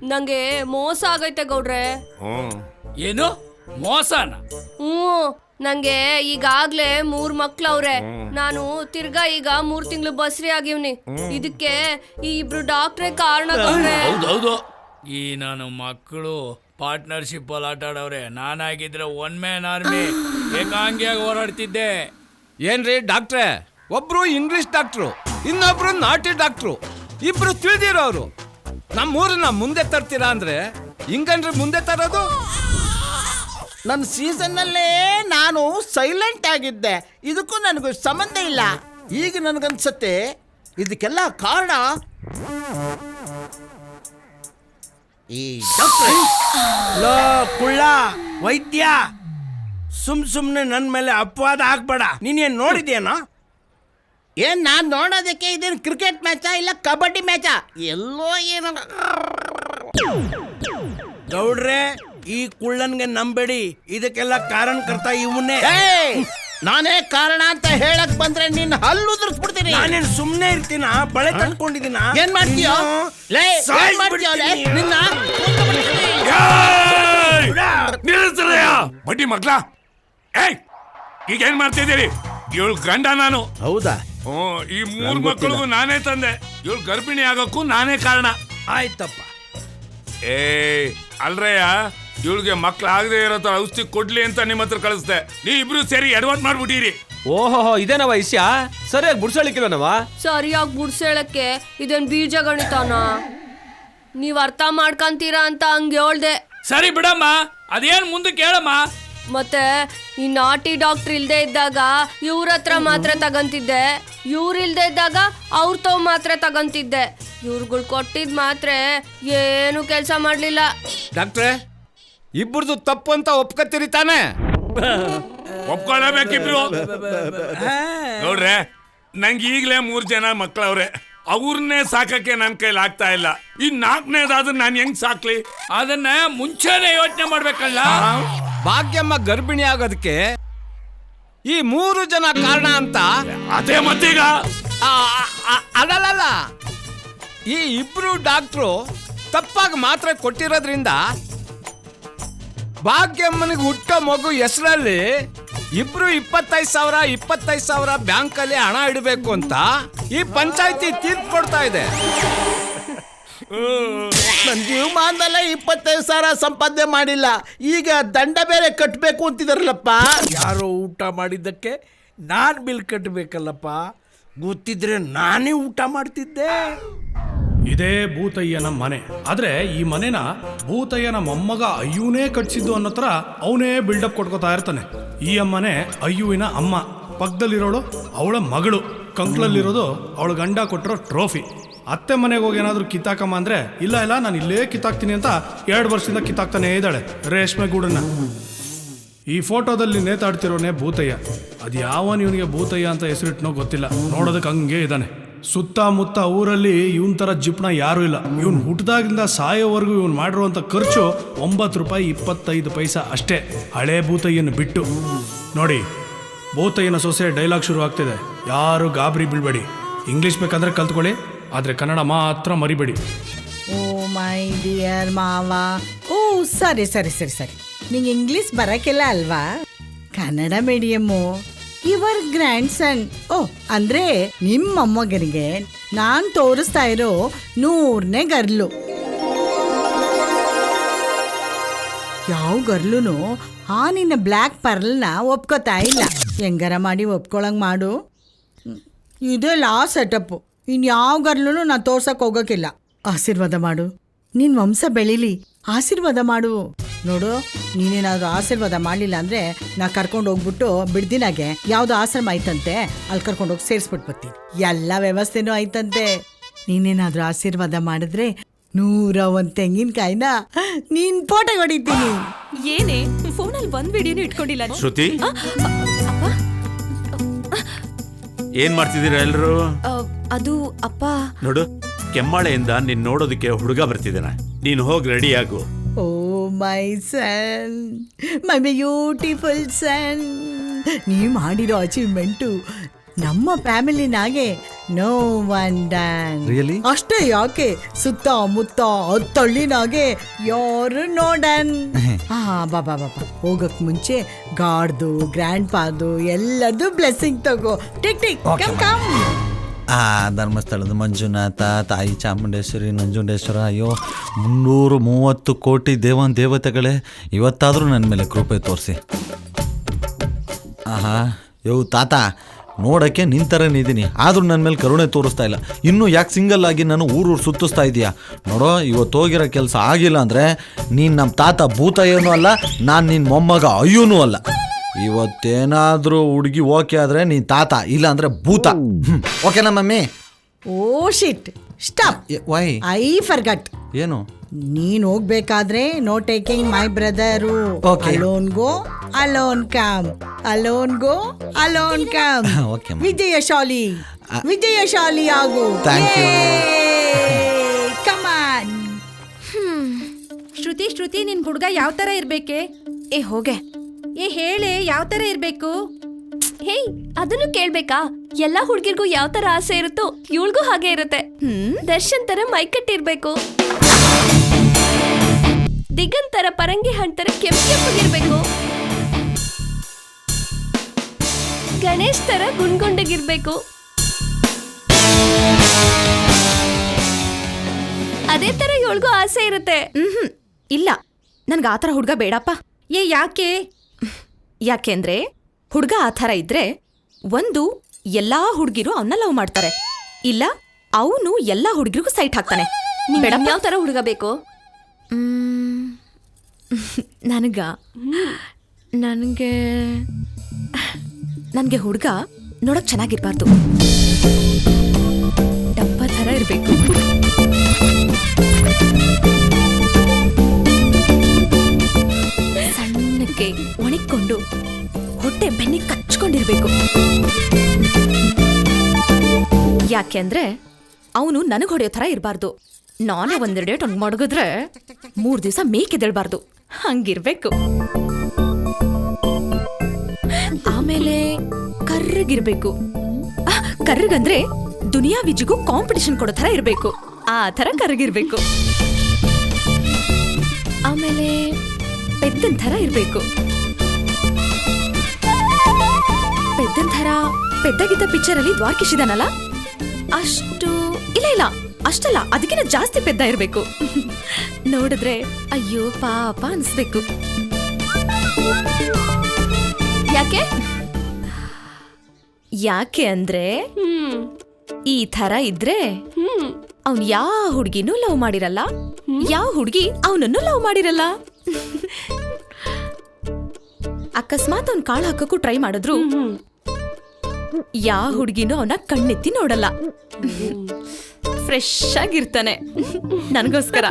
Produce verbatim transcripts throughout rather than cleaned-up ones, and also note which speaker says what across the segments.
Speaker 1: ನಂಗೆ ಮೋಸ ಆಗೈತೆ ಗೌಡ್ರೆ.
Speaker 2: ಏನು ಮೋಸನ?
Speaker 1: ಹ್ಮ್ ನಂಗೆ ಈಗಾಗ್ಲೇ ಮೂರ್ ಮಕ್ಳವ್ರೆ. ನಾನು ತಿರ್ಗಾ ಈಗ ಮೂರ್ ತಿಂಗಳು ಬಸ್ರಿ ಆಗಿವ್ನಿ. ಇದಕ್ಕೆ ಈ ಇಬ್ರು ಡಾಕ್ಟ್ರೇ ಕಾರಣ ಗೌಡ್ರೆ.
Speaker 2: ಹೌದೌದು, ಈ ನಾನು ಮಕ್ಕಳು ಪಾರ್ಟ್ನರ್ಶಿಪ್ ಅಲ್ಲಿ ಆಟ ಆಡವ್ರೆ. ನಾನಾಗಿದ್ರೆ ಒನ್ ಮ್ಯಾನ್ ಆರ್ಮಿ ಏಕಾಂಗಿಯಾಗಿ ಹೋರಾಡ್ತಿದ್ದೆ.
Speaker 3: ಏನ್ರಿ ಡಾಕ್ಟ್ರೆ, ಒಬ್ರು ಇಂಗ್ಲಿಷ್ ಡಾಕ್ಟ್ರು, ಇನ್ನೊಬ್ರು ನಾಟಿ ಡಾಕ್ಟ್ರು, ಇಬ್ರು ತಿಳಿದಿರೋರು. ನಮ್ಮೂರನ್ನ ಮುಂದೆ ತರ್ತೀರಾ ಅಂದ್ರೆ ಹಿಂಗನ್ರಿ ಮುಂದೆ ತರೋದು?
Speaker 4: ನನ್ನ ಸೀಸನ್ನಲ್ಲೇ ನಾನು ಸೈಲೆಂಟ್ ಆಗಿದ್ದೆ, ಇದಕ್ಕೂ ನನಗೂ ಸಂಬಂಧ ಇಲ್ಲ. ಈಗ ನನಗನ್ಸತ್ತೆ ಇದಕ್ಕೆಲ್ಲ ಕಾರಣ ಈ
Speaker 5: ಲೋ ಕುಳ್ಳ ವೈದ್ಯ, ಸುಮ್ ಸುಮ್ನೆ ನನ್ನ ಮೇಲೆ ಅಪವಾದ ಹಾಕ್ಬೇಡ. ನೀನೇನ್ ನೋಡಿದ್ಯೇನೋ?
Speaker 4: ಏನ್ ನಾನ್ ನೋಡೋದಕ್ಕೆ ಇದೇನು ಕ್ರಿಕೆಟ್ ಮ್ಯಾಚಾ ಇಲ್ಲ ಕಬಡ್ಡಿ ಮ್ಯಾಚಾ? ಎಲ್ಲೋ ಏನೋ.
Speaker 5: ಗೌಡ್ರೆ, ಈ ಕುಳ್ಳನ್ಗೆ ನಂಬೇಡಿ, ಇದಕ್ಕೆಲ್ಲ ಕಾರಣಕರ್ತ ಇವನ್ನೇ.
Speaker 4: ನಾನೇ ಕಾರಣ ಅಂತ ಹೇಳಕ್ ಬಂದ್ರೆ ನಿನ್ನ ಹಲ್ಲು ಉದುರಿಸ್ಬಿಡ್ತೀನಿ.
Speaker 5: ನಾನೇನ್ ಸುಮ್ನೆ ಇರ್ತೀನ? ಬಳೆ ತಟ್ಕೊಂಡಿದ್ದೀನ?
Speaker 4: ಏನ್ ಮಾಡ್ತೀಯೋ? ಲೇ, ಏನ್ ಮಾಡ್ತೀಯೋ ಲೇ? ನಿನ್ನ
Speaker 6: ಬಡ್ಡಿ ಮಗ್ಲ, ಏಯ್ ಈಗ ಏನ್ ಮಾಡ್ತಿದ್ದೀರಿ? ಇವಳು ಗಂಡ ನಾನು.
Speaker 4: ಹೌದಾ?
Speaker 6: ಹ್ಮ್, ಈ ಮೂರ್ ಮಕ್ಕಳಿಗೂ ನಾನೇ ತಂದೆ. ಇವಳು ಗರ್ಭಿಣಿ ಆಗೋಕ್ಕೂ ನಾನೇ ಕಾರಣ.
Speaker 5: ಆಯ್ತಪ್ಪ.
Speaker 6: ಏ ಅಲ್ರಯ್ಯ, ಇವಳಿಗೆ ಮಕ್ಳು ಆಗದೆ ಇರೋ ತರ ಔಷಧಿ ಕೊಡ್ಲಿ ಅಂತ ನಿಮ್ಮ ಹತ್ರ ಕಳಿಸ್ದೆ. ನೀ ಇಬ್ರು ಸೇರಿ ಎಡವಟ್ ಮಾಡ್ಬಿಟ್ಟಿರಿ.
Speaker 3: ಓಹೋ, ಇದೇನವ ವಿಷಯ? ಸರಿಯಾಗಿ ಬುಡ್ಸಳಿಕ್ಕಿಲ್ಲನವ?
Speaker 1: ಸರಿಯಾಗಿ ಬುಡ್ಸೇಳಕ್ಕೆ ಇದೇನ್ ಬೀಜ ಗಣಿತಾನ? ನೀವ್ ಅರ್ಥ ಮಾಡ್ಕಂತೀರಾ ಅಂತ ಹಂಗೆ ಹೇಳ್ದೆ.
Speaker 2: ಸರಿ ಬಿಡಮ್ಮ, ಅದೇನ್ ಮುಂದಕ್ಕೆ ಹೇಳಮ್ಮ.
Speaker 1: ಮತ್ತೆ ಈ ನಾಟಿ ಡಾಕ್ಟರ್ ಇಲ್ದೇ ಇದ್ದಾಗ ಇವ್ರ ಹತ್ರ ಮಾತ್ರ ತಗಂತಿದ್ದೆ, ಇವ್ರ ಇಲ್ದೇ ಇದ್ದಾಗ ಅವ್ರ ತವ್ ಮಾತ್ರ ತಗಂತಿದ್ದೆ. ಇವ್ರುಗಳು ಕೊಟ್ಟಿದ್ ಮಾತ್ರ ಏನು ಕೆಲಸ ಮಾಡ್ಲಿಲ್ಲ.
Speaker 3: ಡಾಕ್ಟ್ರೆ, ಇಬ್ಬರದು ತಪ್ಪು ಅಂತ ಒಪ್ಕತ್ತೀರಿ ತಾನೆ?
Speaker 6: ಒಪ್ಕೊಳ್ಳಬೇಕಿಬ್ರು. ನೋಡ್ರೆ, ನಂಗೆ ಈಗಲೇ ಮೂರ್ ಜನ ಮಕ್ಕಳವ್ರೆ. ಅವ್ರನ್ನೇ ಸಾಕಕ್ಕೆ ನನ್ ಕೈಲಿ ಆಗ್ತಾ ಇಲ್ಲ. ಈ ನಾಲ್ಕನೇದಾದ್ರೆ ನಾನು ಹೆಂಗ್ ಸಾಕ್ಲಿ?
Speaker 2: ಅದನ್ನ ಮುಂಚೆನೆ ಯೋಚನೆ ಮಾಡ್ಬೇಕಲ್ಲ.
Speaker 3: ಭಾಗ್ಯಮ್ಮ ಗರ್ಭಿಣಿ ಆಗೋದಕ್ಕೆ ಈ ಮೂರು ಜನ ಕಾರಣ ಅಂತ.
Speaker 6: ಅದೇ ಮತ್ತೀಗ
Speaker 3: ಅಲ್ಲಲ್ಲ, ಈ ಇಬ್ರು ಡಾಕ್ಟ್ರು ತಪ್ಪಾಗಿ ಮಾತ್ರ ಕೊಟ್ಟಿರೋದ್ರಿಂದ ಭಾಗ್ಯಮ್ಮನಿಗೆ ಹುಟ್ಟ ಮಗು ಹೆಸರಲ್ಲಿ ಇಬ್ರು ಇಪ್ಪತ್ತೈದು ಸಾವಿರ ಇಪ್ಪತ್ತೈದು ಸಾವಿರ ಬ್ಯಾಂಕಲ್ಲಿ ಹಣ ಇಡಬೇಕು ಅಂತ ಈ ಪಂಚಾಯತಿ ತೀರ್ಪು ಕೊಡ್ತಾ ಇದೆ.
Speaker 4: ನನ್ನ ಜೀವಮಾನದಲ್ಲೇ ಇಪ್ಪತ್ತೈದು ಸಾವಿರ ಸಂಪಾದನೆ ಮಾಡಿಲ್ಲ, ಈಗ ದಂಡ ಬೇರೆ ಕಟ್ಟಬೇಕು ಅಂತಿದಾರಲ್ಲಪ್ಪ.
Speaker 5: ಯಾರೋ ಊಟ ಮಾಡಿದ್ದಕ್ಕೆ ನಾನು ಬಿಲ್ ಕಟ್ಟಬೇಕಲ್ಲಪ್ಪ. ಗೊತ್ತಿದ್ರೆ ನಾನೇ ಊಟ ಮಾಡ್ತಿದ್ದೆ.
Speaker 7: ಇದೇ ಭೂತಯ್ಯನ ಮನೆ. ಆದ್ರೆ ಈ ಮನೆನ ಭೂತಯ್ಯನ ಮೊಮ್ಮಗ ಅಯ್ಯೂನೇ ಕಟ್ಸಿದ್ದು ಅನ್ನೋ ಥರ ಅವನೇ ಬಿಲ್ಡಪ್ ಕೊಟ್ಕೋತಾ ಇರ್ತಾನೆ. ಈ ಅಮ್ಮನೆ ಅಯ್ಯುವಿನ ಅಮ್ಮ, ಪಕ್ಕದಲ್ಲಿರೋಳು ಅವಳ ಮಗಳು, ಕಂಕ್ಳಲ್ಲಿರೋದು ಅವಳ ಗಂಡ ಕೊಟ್ಟಿರೋ ಟ್ರೋಫಿ. ಅತ್ತೆ ಮನೆಗೆ ಹೋಗಿ ಏನಾದರೂ ಕಿತ್ತಾಕಮ್ಮ ಅಂದರೆ ಇಲ್ಲ ಇಲ್ಲ ನಾನು ಇಲ್ಲೇ ಕಿತ್ತಾಕ್ತೀನಿ ಅಂತ ಎರಡು ವರ್ಷದಿಂದ ಕಿತ್ತಾಕ್ತಾನೇ ಇದ್ದಾಳೆ ರೇಷ್ಮೆ ಗೂಡನ್ನ. ಈ ಫೋಟೋದಲ್ಲಿ ನೇತಾಡ್ತಿರೋನೇ ಭೂತಯ್ಯ. ಅದು ಯಾವನ್ ಇವನಿಗೆ ಭೂತಯ್ಯ ಅಂತ ಹೆಸರಿಟ್ನೋ ಗೊತ್ತಿಲ್ಲ, ನೋಡೋದಕ್ಕೆ ಹಂಗೆ ಇದ್ದಾನೆ. ಸುತ್ತಮುತ್ತ ಊರಲ್ಲಿ ಇವನ್ ಥರ ಜಿಪ್ಣ ಯಾರೂ ಇಲ್ಲ. ಇವನು ಹುಟ್ಟಿದಾಗಿಂದ ಸಾಯೋವರೆಗೂ ಇವನು ಮಾಡಿರುವಂಥ ಖರ್ಚು ಒಂಬತ್ತು ರೂಪಾಯಿ ಇಪ್ಪತ್ತೈದು ಪೈಸಾ ಅಷ್ಟೇ, ಹಳೇ ಭೂತಯ್ಯನ ಬಿಟ್ಟು. ನೋಡಿ, ಭೂತಯ್ಯನ ಸೊಸೆ ಡೈಲಾಗ್ ಶುರು ಆಗ್ತಿದೆ. ಯಾರು ಗಾಬರಿ ಬೀಳ್ಬೇಡಿ. ಇಂಗ್ಲೀಷ್ ಬೇಕಂದ್ರೆ ಕಲ್ತ್ಕೊಳ್ಳಿ, ಆದರೆ ಕನ್ನಡ ಮಾತ್ರ ಮರಿಬೇಡಿ.
Speaker 8: ಓ ಮೈ ಡಿಯರ್ ಮಾವ. ಓ ಸರಿ ಸರಿ ಸರಿ ಸರಿ ನಿಂಗೆ ಇಂಗ್ಲೀಷ್ ಬರಕ್ಕೆಲ್ಲ ಅಲ್ವಾ? Kannada medium. Your grandson. ಓ ಅಂದ್ರೆ ನಿಮ್ಮ ಮೊಮ್ಮಗನಿಗೆ ನಾನು ತೋರಿಸ್ತಾ ಇರೋ ನೂರನೇ ಗರ್ಲು. ಯಾವ ಗರ್ಲುನು ಆ ನಿನ್ನ ಬ್ಲ್ಯಾಕ್ ಪರ್ಲ್ನ ಒಪ್ಕೋತಾ ಇಲ್ಲ. ಹೆಂಗಾರ ಮಾಡಿ ಒಪ್ಕೊಳಂಗೆ ಮಾಡು. ಇದೇ ಲಾ ಸೆಟಪ್ಪು. ಇನ್ಯಾವ ಗರ್ಲೂ ನಾನು ತೋರ್ಸಕ್ಕೆ ಹೋಗೋಕ್ಕಿಲ್ಲ. ಆಶೀರ್ವಾದ ಮಾಡು, ನಿನ್ನ ವಂಶ ಬೆಳೀಲಿ, ಆಶೀರ್ವಾದ ಮಾಡು. ನೋಡು, ನೀನೇನಾದರೂ ಆಶೀರ್ವಾದ ಮಾಡಲಿಲ್ಲ ಅಂದರೆ ನಾ ಕರ್ಕೊಂಡು ಹೋಗ್ಬಿಟ್ಟು ಬಿಡ್ದಿನಾಗೆ ಯಾವುದೋ ಆಶ್ರಮ ಐತಂತೆ, ಅಲ್ಲಿ ಕರ್ಕೊಂಡೋಗಿ ಸೇರಿಸ್ಬಿಟ್ಟು ಬರ್ತೀನಿ. ಎಲ್ಲ ವ್ಯವಸ್ಥೆನೂ ಐತಂತೆ. ನೀನೇನಾದರೂ ಆಶೀರ್ವಾದ ಮಾಡಿದ್ರೆ ನೂರ ಒಂದು ತೆಂಗಿನಕಾಯಿನ ನೀನ್ ಫೋಟೋ ಹೊಡಿತೀನಿ.
Speaker 9: ಏನೇ ಫೋನಲ್ಲಿ ಒಂದ್ ವಿಡಿಯೋನು ಇಟ್ಕೊಂಡಿಲ್ಲ?
Speaker 10: ಶ್ರುತಿ, ಏನ್ ಮಾಡ್ತಿದ್ದೀರಾ ಎಲ್ರು?
Speaker 9: ಅದು ಅಪ್ಪ,
Speaker 10: ನೋಡು, ಕೆಮ್ಮಾಳೆಯಿಂದ ನೀನ್ ನೋಡೋದಕ್ಕೆ ಹುಡುಗ ಬರ್ತಿದ್ದಾನೆ. ನೀನ್ ಹೋಗಿ ರೆಡಿ ಆಗು.
Speaker 8: ಓ ಮೈ ಸನ್, ಮೈ ಬ್ಯೂಟಿಫುಲ್ ಸನ್, ನೀ ಮಾಡಿರೋ ಅಚೀವ್ಮೆಂಟು ನಮ್ಮ ಫ್ಯಾಮಿಲಿನಾಗೆ ನೋ ಒನ್ ಡ್ಯಾನ್
Speaker 11: Really?
Speaker 8: ಅಷ್ಟೇ ಯಾಕೆ ಸುತ್ತ ಮುತ್ತ ಹತ್ತಳ್ಳಿನಾಗೆ ಯಾರು ನೋಡನ್ ಹಾ ಬಾಬಾ ಬಾಬಾ ಹೋಗಕ್ ಮುಂಚೆ ಗಾಡ್ದು ಗ್ರ್ಯಾಂಡ್ ಪಾದು ಎಲ್ಲದು ಬ್ಲೆಸ್ಸಿಂಗ್ ತಗೋ ಟಿಕ್ ಟಿಕ್ ಕಮ್ ಕಮ್
Speaker 11: ಆ ಧರ್ಮಸ್ಥಳದ ಮಂಜುನಾಥ, ತಾಯಿ ಚಾಮುಂಡೇಶ್ವರಿ, ನಂಜುಂಡೇಶ್ವರ, ಅಯ್ಯೋ ಮುನ್ನೂರು ಮೂವತ್ತು ಕೋಟಿ ದೇವನ್ ದೇವತೆಗಳೇ ಇವತ್ತಾದರೂ ನನ್ನ ಮೇಲೆ ಕೃಪೆ ತೋರಿಸಿ. ಆಹಾ ಯೋ ತಾತ, ನೋಡೋಕ್ಕೆ ನಿನ್ನ ಥರನೇ ಇದ್ದೀನಿ, ಆದರೂ ನನ್ನ ಮೇಲೆ ಕರುಣೆ ತೋರಿಸ್ತಾ ಇಲ್ಲ. ಇನ್ನೂ ಯಾಕೆ ಸಿಂಗಲ್ ಆಗಿ ನಾನು ಊರೂರು ಸುತ್ತಿಸ್ತಾ ಇದೀಯಾ? ನೋಡೋ, ಇವತ್ತು ಹೋಗಿರೋ ಕೆಲಸ ಆಗಿಲ್ಲ ಅಂದರೆ ನೀನು ನಮ್ಮ ತಾತ ಭೂತ ಏನೂ ಅಲ್ಲ, ನಾನು ನಿನ್ನ ಮೊಮ್ಮಗ ಅಯ್ಯೂನೂ ಅಲ್ಲ. ಇವತ್ತೇನಾದರೂ ಹುಡುಗಿ ಓಕೆ ಆದರೆ ನೀನು ತಾತ, ಇಲ್ಲ ಅಂದರೆ ಭೂತ. ಓಕೆನಾ mummy?
Speaker 8: Oh shit, stop.
Speaker 11: Why?
Speaker 8: I forgot.
Speaker 11: ಏನು?
Speaker 8: ನೀನ್ ಹೋಗ್ಬೇಕಾದ್ರೆ no taking my brother.
Speaker 11: Okay.
Speaker 8: Alone go alone come, alone go alone come.
Speaker 11: Okay, ma'am.
Speaker 8: ವಿಜಯಶಾಲಿ ವಿಜಯಶಾಲಿ ಆಗು.
Speaker 11: Thank you.
Speaker 8: ಕಮಾನ್.
Speaker 12: ಶ್ರುತಿ ಶ್ರುತಿ ನಿನ್ ಹುಡುಗ ಯಾವ ತರ ಇರ್ಬೇಕೆ?
Speaker 9: ಏ ಹೋಗೆ.
Speaker 12: ಏ ಹೇಳೆ ಯಾವ ತರ ಇರ್ಬೇಕು?
Speaker 1: ಹೇಯ್, ಅದನ್ನು ಕೇಳ್ಬೇಕಾ? ಎಲ್ಲಾ ಹುಡ್ಗಿರ್ಗೂ ಯಾವ ತರ ಆಸೆ ಇರುತ್ತೋ ಇವಳಿಗೂ ಹಾಗೆ ಇರುತ್ತೆ.
Speaker 9: ಹ್ಮ್
Speaker 1: ದರ್ಶನ್ ತರ ಮೈಕಟ್ಟಿರ್ಬೇಕು, ದಿಗಂತ್ ತರ ಪರಂಗಿ ಹಣ್ಣ್ ತರ ಕೆಂಪ್ ಕೆಂಪಗಿರ್ಬೇಕು, ಗಣೇಶ್ ತರ ಗುಂಡ್ಗುಂಡಗಿರ್ಬೇಕು. ಅದೇ ತರ ಇವಳಿಗೂ ಆಸೆ ಇರುತ್ತೆ.
Speaker 9: ಹ್ಮ್ ಇಲ್ಲ, ನನ್ಗೆ ಆ ಥರ ಹುಡುಗ ಬೇಡಪ್ಪ.
Speaker 12: ಏ ಯಾಕೆ?
Speaker 9: ಯಾಕೆಂದ್ರೆ ಹುಡುಗ ಆ ಥರ ಇದ್ರೆ ಒಂದು ಎಲ್ಲಾ ಹುಡುಗಿರು ಅವನ್ನ ಲವ್ ಮಾಡ್ತಾರೆ, ಇಲ್ಲ ಅವನು ಎಲ್ಲಾ ಹುಡುಗಿರಿಗೂ ಸೈಟ್ ಹಾಕ್ತಾನೆ.
Speaker 1: ಬೇಡಪ್ಪ. ಯಾವ ತರ ಹುಡುಗ ಬೇಕು?
Speaker 9: ನನಗ ನನಗೆ ನನಗೆ ಹುಡುಗ ನೋಡಕ್ ಚೆನ್ನಾಗಿರ್ಬಾರ್ದು, ಡಬ್ಬ ಥರ ಇರಬೇಕು. ಸಣ್ಣಕ್ಕೆ ಒಣಗಿಕೊಂಡು ಹೊಟ್ಟೆ ಬೆನ್ನಿ ಕಚ್ಕೊಂಡಿರ್ಬೇಕು. ಯಾಕೆಂದ್ರೆ ಅವನು ನನಗೆ ಹೊಡೆಯೋ ಥರ ಇರಬಾರ್ದು. ನಾನೇ ಒಂದೆರಡು ಡೇಟ್ ಅವ್ನಿಗೆ ಮಡಗಿದ್ರೆ ಮೂರು ದಿವಸ ಮೇಕೆದೇಳ್ಬಾರ್ದು, ಹಂಗಿರ್ಬೇಕು. ಆಮೇಲೆ ಕರ್ರಗಿರ್ಬೇಕು. ಕರ್ರಗಂದ್ರೆ ದುನಿಯಾ ವಿಜಿಗೂ ಕಾಂಪಿಟಿಷನ್ ಕೊಡೋ ಥರ ಇರಬೇಕು, ಆ ಥರ ಕರ್ರಗಿರ್ಬೇಕು. ಆಮೇಲೆ ಪೆದ್ದನ್ ಥರ ಇರಬೇಕು. ಪೆದ್ದನ್ ಥರ ಪೆದ್ದಾಗಿದ್ದ ಪಿಕ್ಚರಲ್ಲಿ ದ್ವಾರಕೀಶ್ ಇದಾನಲ್ಲ ಅಷ್ಟು, ಇಲ್ಲ ಇಲ್ಲ ಅಷ್ಟಲ್ಲ, ಅದಕ್ಕಿಂತ ಜಾಸ್ತಿ ಪೆದ್ದ ಇರಬೇಕು. ನೋಡಿದ್ರೆ ಅಯ್ಯೋ ಪಾಪ ಅನ್ಸ್ಬೇಕು.
Speaker 1: ಯಾಕೆ?
Speaker 9: ಯಾಕೆ ಅಂದ್ರೆ ಈ ಥರ ಇದ್ರೆ ಅವ್ನ್ ಯಾವ ಹುಡ್ಗಿನೂ ಲವ್ ಮಾಡಿರಲ್ಲ, ಯಾವ ಹುಡ್ಗಿ ಅವನನ್ನು ಲವ್ ಮಾಡಿರಲ್ಲ. ಅಕಸ್ಮಾತ್ ಅವ್ನ್ ಕಾಳು ಹಾಕಕ್ಕೂ ಟ್ರೈ ಮಾಡಿದ್ರು ಯಾವ ಹುಡ್ಗಿನೂ ಅವನ ಕಣ್ಣೆತ್ತಿ ನೋಡಲ್ಲ. ಫ್ರೆಶ್ ಆಗಿರ್ತಾನೆ ನನಗೋಸ್ಕರ.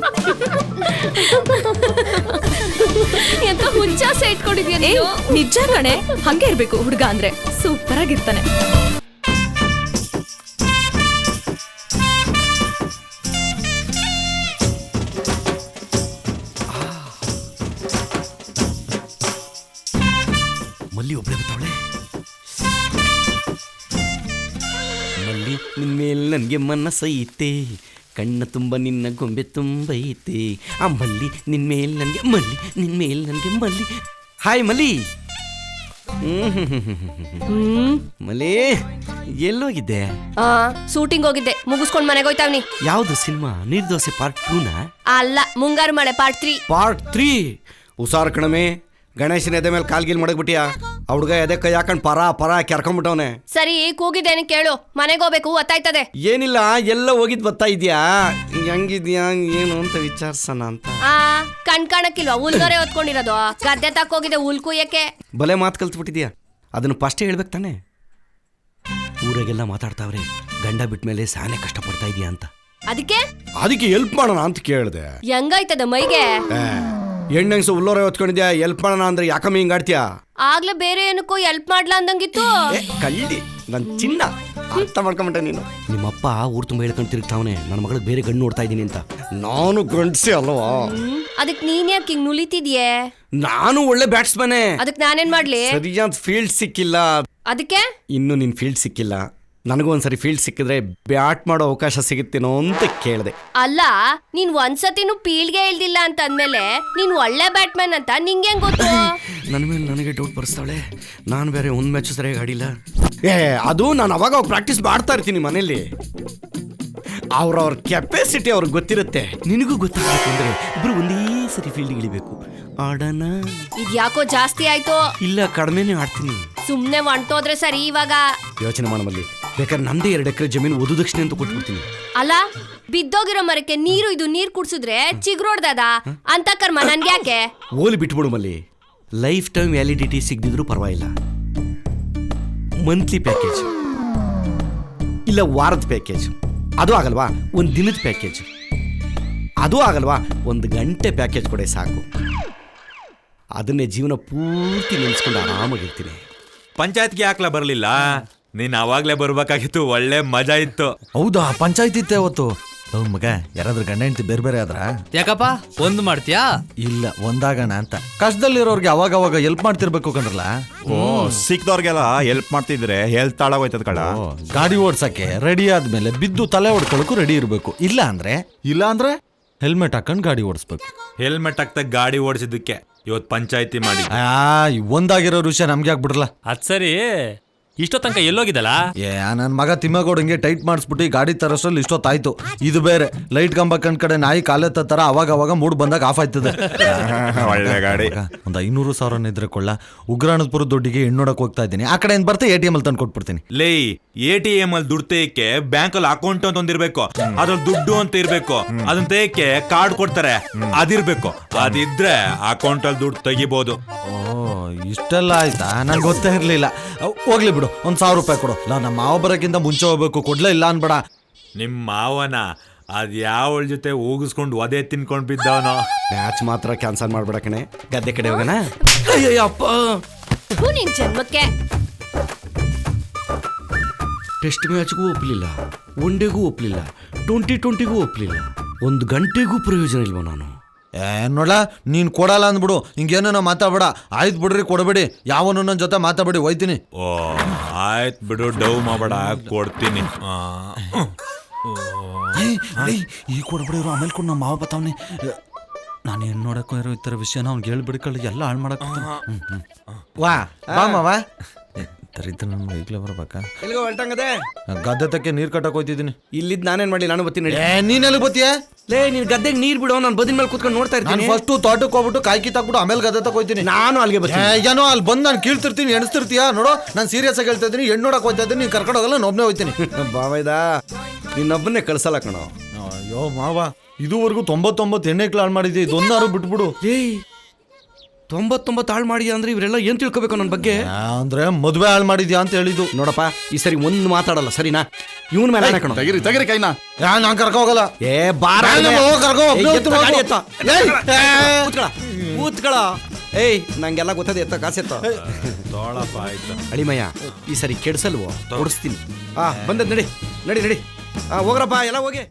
Speaker 1: ಎಂತ ಹುಚ್ಚಾಸೆ ಇಟ್ಕೊಂಡಿದ್ಯಾ?
Speaker 9: ನಿಜ ಕಣೆ, ಹಂಗೆ ಇರ್ಬೇಕು ಹುಡುಗ ಅಂದ್ರೆ, ಸೂಪರ್ ಆಗಿರ್ತಾನೆ.
Speaker 13: ಮಲ್ಲಿ ಒಬ್ಳೆ ಬರ್ತಾವಳೆ. ಮಲ್ಲಿ ನಿನ್ ಮೇಲೆ ನನಗೆ ಮನಸ್ಸೈತೆ, ಕಣ್ಣ ತುಂಬ ನಿನ್ನ ಗೊಂಬೆ ತುಂಬೈತೆ. ಆ ಮಲ್ಲಿ ನಿನ್ ಮೇಲೆ ನನಗೆ, ಮಲ್ಲಿ ನಿನ್ ಮೇಲೆ ನನಗೆ ಮಲ್ಲಿ. ಹಾಯ್ ಮಲ್ಲಿ. ಹ್ಮ್ ಮಲ್ಲಿ ಎಲ್ಲೋಗಿದ್ದೆ?
Speaker 1: ಆ ಶೂಟಿಂಗ್ ಹೋಗಿದ್ದೆ, ಮುಗಿಸ್ಕೊಂಡ್ ಮನೆಗೆ ಹೋಯ್ತಾವ್ನಿ.
Speaker 13: ಯಾವ್ದು ಸಿನಿಮಾ? ನಿರ್ದೋಸೆ ಪಾರ್ಟ್ ಟೂನಾ?
Speaker 1: ಅಲ್ಲ, ಮುಂಗಾರು ಮಳೆ ಪಾರ್ಟ್ ತ್ರೀ.
Speaker 13: Part three. ಹುಷಾರ್ ಕಣಮೆ, ಗಣೇಶನ ಎದೆ ಮೇಲೆ ಕಾಲ್ಗಿಲ್ ಮಡಗ್ಬಿಟ್ಟಿಯಾ? ಆ ಹುಡುಗ ಎದೆ ಕೈ ಹಾಕೊಂಡ್ ಪರ ಪರ ಕೆರ್ಕೊಂಡ್ಬಿಟ್ಟವನೆ.
Speaker 1: ಸರಿ, ಕೂಗಿದ್ದೇನೆ ಕೇಳು, ಮನೆಗೆ ಹೋಗ್ಬೇಕು, ಒತ್ತಾಯ್ತದೆ.
Speaker 13: ಏನಿಲ್ಲ, ಎಲ್ಲ ಹೋಗಿದ್ ಬರ್ತಾ ಇದ್ಯಾ? ಹೆಂಗಿದ್ಯಾ ಏನು ಅಂತ ವಿಚಾರ್ಸಣ ಅಂತ.
Speaker 1: ಆ ಕಣ್ ಕಾಣಕ್ಕಿಲ್ವಾ? ಹುಲ್ಗರೆ ಹೊತ್ಕೊಂಡಿರೋದು. ಗದ್ದೆ ತಕ್ಕೋಗಿದೆ ಹುಲ್ ಕುಯ್ಯಕ್ಕೆ.
Speaker 13: ಬಲೆ ಮಾತು ಕಲ್ತ್ಬಿಟ್ಟಿದ್ಯಾ? ಅದನ್ನು ಫಸ್ಟೇ ಹೇಳ್ಬೇಕು ತಾನೆ. ಊರಾಗೆಲ್ಲ ಮಾತಾಡ್ತಾವ್ರೆ ಗಂಡ ಬಿಟ್ಮೇಲೆ ಸಾನೆ ಕಷ್ಟಪಡ್ತಾ ಇದೀಯಾ ಅಂತ.
Speaker 1: ಅದಕ್ಕೆ
Speaker 13: ಅದಕ್ಕೆ ಹೆಲ್ಪ್ ಮಾಡೋಣ ಅಂತ ಕೇಳಿದೆ.
Speaker 1: ಹೆಂಗಾಯ್ತದ ಮೈಗೆ?
Speaker 13: ಹೆಣ್ಣಂಗ್ಸು ಉಲ್ಲೋರೆ ಹೊತ್ಕೊಂಡಿದ್ಯಾ, ಹೆಲ್ಪ್ ಮಾಡೋಣ ಅಂದ್ರೆ ಯಾಕಮ್ಮ ಹಿಂಗಾಡ್ತೀಯಾ?
Speaker 1: ಆಗ್ಲೇ ಬೇರೆ ಏನಕ್ಕೂ ಹೆಲ್ಪ್ ಮಾಡ್ಲಾ ಅಂದಂಗಿತ್ತು.
Speaker 13: ಕಳ್ಳಿ ನನ್ ಚಿನ್ನ, ಅರ್ಥ ಮಾಡ್ಕೊಂಬಿಟ್ಟೆ ನೀನು. ನಿಮ್ಮಪ್ಪ ಊರ್ ತುಂಬ ಹೇಳ್ಕೊಂಡು ತಿರುಗ್ತಾವನೆ ನನ್ನ ಮಗಳಿಗೆ ಬೇರೆ ಗಂಡು ನೋಡ್ತಾ ಇದ್ದೀನಿ ಅಂತ. ನಾನು ಗಂಡ್ಸಿ ಅಲ್ವಾ?
Speaker 1: ಅದಕ್ ನೀನ್ ಯಾಕೆ ಹಿಂಗ್ ನುಲಿತಿದ್ಯೆ?
Speaker 13: ನಾನು ಒಳ್ಳೆ ಬ್ಯಾಟ್ಸ್ಮನ್.
Speaker 1: ಅದಕ್ ನಾನೇನ್ ಮಾಡ್ಲಿ?
Speaker 13: ಸರಿಯಾದ ಫೀಲ್ಡ್ ಸಿಕ್ಕಿಲ್ಲ.
Speaker 1: ಅದಕ್ಕೆ
Speaker 13: ಇನ್ನೂ ನಿನ್ನ ಫೀಲ್ಡ್ ಸಿಕ್ಕಿಲ್ಲ. ನನಗೂ ಒಂದ್ಸರಿ ಫೀಲ್ಡ್ ಸಿಕ್ಕಿದ್ರೆ ಬ್ಯಾಟ್ ಮಾಡೋ ಅವಕಾಶ ಸಿಗುತ್ತೇನೋ ಅಂತ ಕೇಳಿದೆ.
Speaker 1: ಅಲ್ಲ, ನೀನ್ ಒಂದ್ಸತಿನೂ ಪೀಳ್ಗೆ ಇಲ್ದಿಲ್ಲ ಅಂತ ಅಂದ್ಮೇಲೆ ನೀನ್ ಒಳ್ಳೆ ಬ್ಯಾಟ್ಮನ್ ಅಂತ ನಿಂಗೆ ಗೊತ್ತು?
Speaker 13: ನನ್ನ ಮೇಲೆ ನನಗೆ ಡೌಟ್ ಬರ್ಸ್ತಾವಳೆ. ನಾನು ಬೇರೆ ಒಂದು ಮ್ಯಾಚ್ ಸರಿಯಾಗಿ ಆಡಿಲ್ಲ. ಏ ಅದು ನಾನು ಅವಾಗ ಅವಾಗ ಪ್ರಾಕ್ಟೀಸ್ ಮಾಡ್ತಾ ಇರ್ತೀನಿ ಮನೇಲಿ. ಅವ್ರವ್ರ ಕೆಪಾಸಿಟಿ ಅವ್ರಿಗೆ ಗೊತ್ತಿರುತ್ತೆ, ನಿನಗೂ ಗೊತ್ತಾಗಬೇಕು ಅಂದ್ರೆ ಇಬ್ರು ಒಂದೇ ಸರಿ ಫೀಲ್ಡ್ ಇಳಿಬೇಕು. ಆಡೋಣ?
Speaker 1: ಇದ್ಯಾಕೋ ಜಾಸ್ತಿ ಆಯ್ತು.
Speaker 13: ಇಲ್ಲ, ಕಡಿಮೆನೇ ಆಡ್ತೀನಿ.
Speaker 1: ಸುಮ್ನೆ ಹೊಂಟೋದ್ರೆ ಸರಿ. ಇವಾಗ
Speaker 13: ಯೋಚನೆ ಮಾಡಮಲ್ಲಿ, ಬೇಕಾದ್ರೆ ನಂದೇ ಎರಡು ಎಕರೆ ಜಮೀನು ಓದು ದಕ್ಷಿಣೆ ಅಂತ ಕೊಟ್ಬಿಡ್ತೀನಿ.
Speaker 1: ಅಲ್ಲ, ಬಿದ್ದೋಗಿರೋ ಮರಕ್ಕೆ ನೀರು ಇದು ನೀರ್ ಕುಡ್ಸಿದ್ರೆ ಚಿಗ್ರೋಡ್ದದ ಅಂತ ಕರ್ಮ ನನ್ಗೆ ಯಾಕೆ?
Speaker 13: ಓಲಿ ಬಿಟ್ಬಿಡು ಮಲ್ಲಿ. ಲೈಫ್ ಟೈಮ್ ವ್ಯಾಲಿಡಿಟಿ ಸಿಗದಿದ್ರು ಪರವಾಗಿಲ್ಲ. ಮಂತ್ಲಿ ಪ್ಯಾಕೇಜ್ ಇಲ್ಲ ವಾರದ ಪ್ಯಾಕೇಜ್, ಅದು ಆಗಲ್ವಾ? ಒಂದು ದಿನದ ಪ್ಯಾಕೇಜ್, ಅದು ಆಗಲ್ವಾ? ಒಂದು ಗಂಟೆ ಪ್ಯಾಕೇಜ್ ಕೊಡೆ ಸಾಕು. ಅದನ್ನೇ ಜೀವನ ಪೂರ್ತಿ ನೆನೆಸ್ಕೊಂಡು ಆರಾಮಾಗಿರ್ತೀನಿ.
Speaker 14: ಪಂಚಾಯತ್ಗೆ ಯಾಕ್ಲ ಬರಲಿಲ್ಲ? ನೀನ್ ಅವಾಗ್ಲೇ ಬರ್ಬೇಕಾಗಿತ್ತು, ಒಳ್ಳೆ ಮಜಾ ಇತ್ತು.
Speaker 11: ಹೌದಾ, ಪಂಚಾಯತ್ ಇತ್ತೆ ಅವತ್ತು. ಹೌದ್ ಮಗ, ಯಾರಾದ್ರೂ ಗಂಡ ಹೆಂಡತಿ ಬೇರೆ ಬೇರೆ ಆದ್ರ
Speaker 15: ಯಾಕಪ್ಪ ಒಂದ್ ಮಾಡ್ತೀಯಾ?
Speaker 11: ಇಲ್ಲ, ಒಂದಾಗಣ ಅಂತ. ಕಷ್ಟದಲ್ಲಿರೋರ್ಗೆ ಅವಾಗ ಅವಾಗ ಹೆಲ್ಪ್ ಮಾಡ್ತಿರ್ಬೇಕು ಕಣ್ರಲ್ಲ.
Speaker 14: ಓ, ಸಿಕ್ದವ್ರಿಗೆಲ್ಲ ಹೆಲ್ಪ್ ಮಾಡ್ತಿದ್ರೆ ಹೆಲ್ತ್ ಹಾಳಾಗೋಯ್ತದ ಕಳ.
Speaker 11: ಗಾಡಿ ಓಡ್ಸಕ್ಕೆ ರೆಡಿ ಆದ್ಮೇಲೆ ಬಿದ್ದು ತಲೆ ಹೊಡ್ಕೊಳಕ್ಕೂ ರೆಡಿ ಇರ್ಬೇಕು. ಇಲ್ಲ ಅಂದ್ರೆ
Speaker 14: ಇಲ್ಲ ಅಂದ್ರೆ
Speaker 11: ಹೆಲ್ಮೆಟ್ ಹಾಕೊಂಡ್ ಗಾಡಿ ಓಡಿಸ್ಬೇಕು.
Speaker 14: ಹೆಲ್ಮೆಟ್ ಹಾಕ್ತಾ ಗಾಡಿ ಓಡಿಸಿದ್ದಕ್ಕೆ ಇವತ್ತು ಪಂಚಾಯತಿ ಮಾಡಿ.
Speaker 11: ಆ ಒಂದಾಗಿರೋ ವಿಷಯ ನಮ್ಗೆ ಆಗ್ಬಿಡ್ರಲ್ಲ.
Speaker 15: ಅದ್ ಸರಿ, ಇಷ್ಟೋ ತನಕ ಎಲ್ಲೋಗಿದ್ದಲ್ಲ?
Speaker 11: ಏ ನನ್ನ ಮಗ ತಿಮ್ಮಗೌಡಂಗೆ ಟೈಟ್ ಮಾಡಿಸ್ಬಿಟ್ಟು ಗಾಡಿ ತರೋಷ್ಟ್ರಲ್ಲಿ ಇಷ್ಟೊತ್ತಾಯ್ತು. ಇದು ಬೇರೆ ಲೈಟ್ ಕಂಬ ಕಂಡ್ ಕಡೆ ನಾಯಿ ಕಾಲೆತ್ತ ತರ ಅವಾಗ ಅವಾಗ ಮೂಡ್ ಬಂದಾಗ ಆಫ್ ಆಯ್ತದೆ.
Speaker 14: ಒಳ್ಳೆ ಗಾಡಿ.
Speaker 11: ಒಂದ್ ಐನೂರು ಸಾವಿರ ಇದ್ರೆ ಕೊಳ್ಳ. ಉಗ್ರಾಣಪುರ ದುಡ್ಡಿಗೆ ಹೆಣ್ಣೋಡಕ್ ಹೋಗ್ತಾ ಇದ್ದೀನಿ. ಆ ಕಡೆ ಏನ್ ಬರ್ತೆ ಎ ಟಿ ಎಂ ಅಲ್ಲಿ ತಂದು ಕೊಟ್ಬಿಡ್ತೀನಿ.
Speaker 14: ಲೇ, ಎ ಟಿ ಎಂ ಅಲ್ಲಿ ದುಡ್ಡು ತೆಯಕ್ಕೆ ಬ್ಯಾಂಕ್ ಅಲ್ಲಿ ಅಕೌಂಟ್ ಅಂತ ಒಂದಿರ್ಬೇಕು, ಅದ್ರಲ್ಲಿ ದುಡ್ಡು ಅಂತ ಇರ್ಬೇಕು. ಅದನ್ನ ತೆಯಕ್ಕೆ ಕಾರ್ಡ್ ಕೊಡ್ತಾರೆ, ಅದಿರ್ಬೇಕು. ಅದಿದ್ರೆ ಅಕೌಂಟ್ ಅಲ್ಲಿ ದುಡ್ಡು ತೆಗಿಬಹುದು.
Speaker 11: ಓ, ಇಷ್ಟೆಲ್ಲ ಆಯ್ತಾ? ನಂಗೆ ಗೊತ್ತೇ ಇರ್ಲಿಲ್ಲ. ಹೋಗ್ಲಿ ಬಿಡು, ಒಂದ್ ಸಾವಿರ ರೂಪಾಯಿ ಕೊಡು. ಇಲ್ಲ, ನಮ್ಮ ಮಾವ ಬರೋಕ್ಕಿಂತ ಮುಂಚೆ ಹೋಗ್ಬೇಕು. ಕೊಡ್ಲೇ ಇಲ್ಲ ಅನ್ಬೇಡ.
Speaker 14: ನಿಮ್ ಮಾವನ ಅದ್ ಯಾವಳ ಜೊತೆ ಹೋಗಿಸ್ಕೊಂಡು ಒದೆ ತಿನ್ಕೊಂಡ್ ಬಿದ್ದವನೋ.
Speaker 13: ಮ್ಯಾಚ್ ಮಾತ್ರ ಕ್ಯಾನ್ಸಲ್ ಮಾಡ್ಬೇಡ ಕಣೆ, ಗದ್ದೆ ಕಡೆ ಹೋಗೋಣ.
Speaker 1: ಅಪ್ಪ ನಿನ್ ಜನ್ಮಕ್ಕೆ.
Speaker 13: ಟೆಸ್ಟ್ ಮ್ಯಾಚ್ಗೂ ಒಪ್ಪಲಿಲ್ಲ, ಒನ್ ಡೇಗೂ ಒಪ್ಪಲಿಲ್ಲ, ಟ್ವೆಂಟಿ ಟ್ವೆಂಟಿಗೂ ಒಪ್ಪಲಿಲ್ಲ, ಒಂದು ಗಂಟೆಗೂ ಪ್ರಯೋಜನ ಇಲ್ವ ನಾನು?
Speaker 11: ಏ ನೋಡ, ನೀನ್ ಕೊಡಲ್ಲ ಅಂದ್ಬಿಡು. ಹಿಂಗೇನೋ ಮಾತಾಡ್ಬೇಡ. ಆಯ್ತು ಬಿಡ್ರಿ, ಕೊಡಬೇಡಿ. ಯಾವನು ನನ್ನ ಜೊತೆ ಮಾತಾಡ್ಬೇಡಿ, ಹೋಯ್ತೀನಿ.
Speaker 14: ಓ ಆಯ್ತು ಬಿಡು, ಡವ್ ಮಾಡಬೇಡ, ಕೊಡ್ತೀನಿ.
Speaker 11: ಈಗ ಕೊಡ್ಬಿಡಿರು, ಆಮೇಲೆ ಕೊಡು. ನಮ್ಮ ಮಾವ ಬತ್ತಾವನೆ. ನಾನು ಏನು ನೋಡಕ್ಕೋ ಇರೋ ಈ ಥರ ವಿಷಯನ ಅವ್ನಿಗೆ ಹೇಳ್ಬಿಡ್ಕೊಳ್ಳಿ, ಎಲ್ಲ ಹಾಳು ಮಾಡಕ್. ವಾ ಬಾ ಮಾವ. ತರಿತ ನನ್ನ ಈಗಲೇ ಬರ್ಬೇಕಾ?
Speaker 13: ಎಲ್ಲಿಗೋ ಹೊರಟಂಗದೆ?
Speaker 11: ಗದ್ದೆ ತಕ್ಕೆ ನೀರು ಕಟ್ಟಕ್ಕೆ ಹೋಯ್ತಿದ್ದೀನಿ.
Speaker 13: ಇಲ್ಲಿದ್ದು ನಾನೇನು ಮಾಡಿ, ನಾನು ಬರ್ತೀನಿ.
Speaker 11: ನೀನ್ ಎಲ್ಲಿ ಬತ್ತೀಯ?
Speaker 13: ಲೇ, ನೀನ್ ಗದ್ದೆಗೆ ನೀರು ಬಿಡೋ, ನಾನು ಬದಿನ ಮೇಲೆ ಕೂತ್ಕೊಂಡು ನೋಡ್ತಾ ಇರ್ತೀನಿ.
Speaker 11: ಫಸ್ಟ್ ತೋಟಕ್ಕೆ ಹೋಗ್ಬಿಟ್ಟು ಕಾಯಿ ಕಿತ್ತಾಕ್ಬಿಟ್ಟು ಆಮೇಲೆ ಗದ್ದೆ ತಕ್ಕ ಹೋಯ್ತೀನಿ.
Speaker 13: ನಾನು ಅಲ್ಲಿಗೆ ಬರ್ತೀನಿ.
Speaker 11: ಏನೋ ಅಲ್ಲಿ ಬಂದು ನಾನು ಕೀಳ್ತಿರ್ತೀನಿ, ಎಣಿಸ್ತಿರ್ತೀಯ ನೋಡು. ನಾನು ಸೀರಿಯಸ್ ಆಗಿ ಹೇಳ್ತಾ ಇದ್ದೀನಿ, ಹೆಣ್ಣು ನೋಡಕ್ ಹೋಗ್ತಾ ಇದ್ದೀನಿ. ನೀನು ಕರ್ಕೊಂಡು ಹೋಗಲ್ಲ, ನಾನು ಒಬ್ಬನೇ ಹೋಗ್ತೀನಿ.
Speaker 13: ಬಾವೈದ ನಿನ್ನೊಬ್ಬನೇ ಕಳ್ಸಲ್ಲ ಕಣೋ.
Speaker 11: ಅಯ್ಯೋ ಮಾವ, ಇದುವರೆಗೂ ತೊಂಬತ್ತೊಂಬತ್ತು ಎಣ್ಣೆಕ್ಳು ಹಾಳು ಮಾಡಿದ್ದೆ, ಇದೊಂದಾರು ಬಿಟ್ಬಿಡು.
Speaker 13: ಏಯ್, ತೊಂಬತ್ತೊಂಬತ್ತು ಹಾಳು ಮಾಡಿದ್ಯಾ ಅಂದ್ರೆ ಇವರೆಲ್ಲ ಏನ್ ತಿಳ್ಕೊಬೇಕು ನನ್ನ ಬಗ್ಗೆ?
Speaker 11: ಅಂದ್ರೆ ಮದುವೆ ಹಾಳು ಮಾಡಿದ್ಯಾ ಅಂತ ಹೇಳಿದ್ದು.
Speaker 13: ನೋಡಪ್ಪ, ಈ ಸರಿ ಒಂದು ಮಾತಾಡಲ್ಲ, ಸರಿನಾ? ಇವನ್ ಮೇಲೆ ಕಣೋ.
Speaker 4: ತೆಗಿರಿ ತೆಗಿರಿ ಕೈನ.
Speaker 11: ನಾನು ಕರ್ಕೊ ಹೋಗಲ್ಲ.
Speaker 13: ಏ ಬಾರ, ಕೂತ್ಕಳ. ಏಯ್, ನಂಗೆಲ್ಲ ಗೊತ್ತದೆ, ಎತ್ತ ಕಾಸೆತ್ತ. ಅಳಿಮಯ್ಯ, ಈ ಸರಿ ಕೆಡ್ಸಲ್ವೋ? ಓಡಿಸ್ತೀನಿ. ಆ ಬಂದದ್ ನಡಿ ನಡಿ ನಡಿ. ಆ ಹೋಗ್ರಪ್ಪ, ಎಲ್ಲ ಹೋಗಿ.